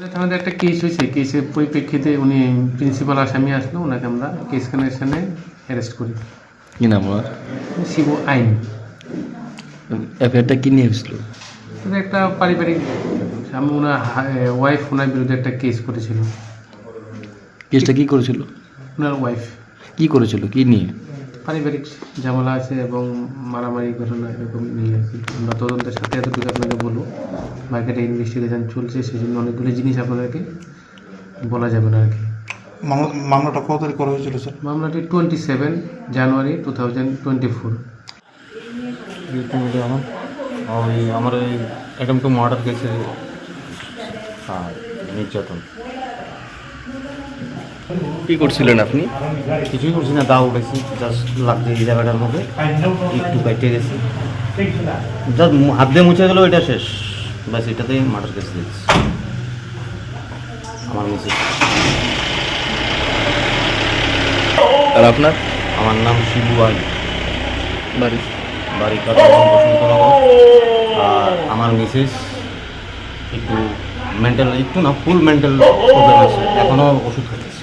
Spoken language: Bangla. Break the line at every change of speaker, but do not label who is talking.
থানাতে একটা কেস হয়েছে, কেসের পরিপ্রেক্ষিতে উনি প্রিন্সিপাল আসামি আসলো, ওনাকে আমরা কেস কানেকশনে অ্যারেস্ট করি।
কি নাম ওনার?
শিবু আইন।
এফআইআরটা কি নিয়ে হয়েছিল?
এটা একটা পারিবারিক, আমি ওনার ওয়াইফ ওনার বিরুদ্ধে একটা কেস করেছিল।
কেসটা কি করেছিল?
ওনার ওয়াইফ
কি করেছিল, কি নিয়ে?
পারিবারিক ঝামেলা আছে এবং মারামারি ঘটনা এরকম নিয়ে আর কি। আমরা তদন্তের সাথে এতটুকু আপনাকে বলবো, মার্কেটে ইনভেস্টিগেশন চলছে, সেই জন্য অনেকগুলো জিনিস আপনাদেরকে বলা যাবে না আর কি।
মামলাটা কত তারিখ করা হয়েছিল স্যার?
মামলাটি 27 জানুয়ারি 2024।
ওই আমার ওই অ্যাটেম্প টু মার্ডার কেসে নির্যাতন।
কি করছিলেন আপনি?
কিছুই করছি না, দাও উঠেছি, জাস্ট লাগছে এই জায়গাটার মধ্যে, একটু কাটে গেছে, জাস্ট হাত দিয়ে মুছে গেলো, এটা শেষ, ব্যাস এটাতেই মার্ডার কেস দিয়েছি আমার মিসেস।
আর আপনার?
আমার নাম শিবু আই,
বাড়ি?
বাড়ি কাটালাম বসন্তনগর। আর আমার মিসেস একটু মেন্টাল, একটু না ফুল মেন্টাল প্রবলেম আছে, এখনও ওষুধ খাচ্ছি।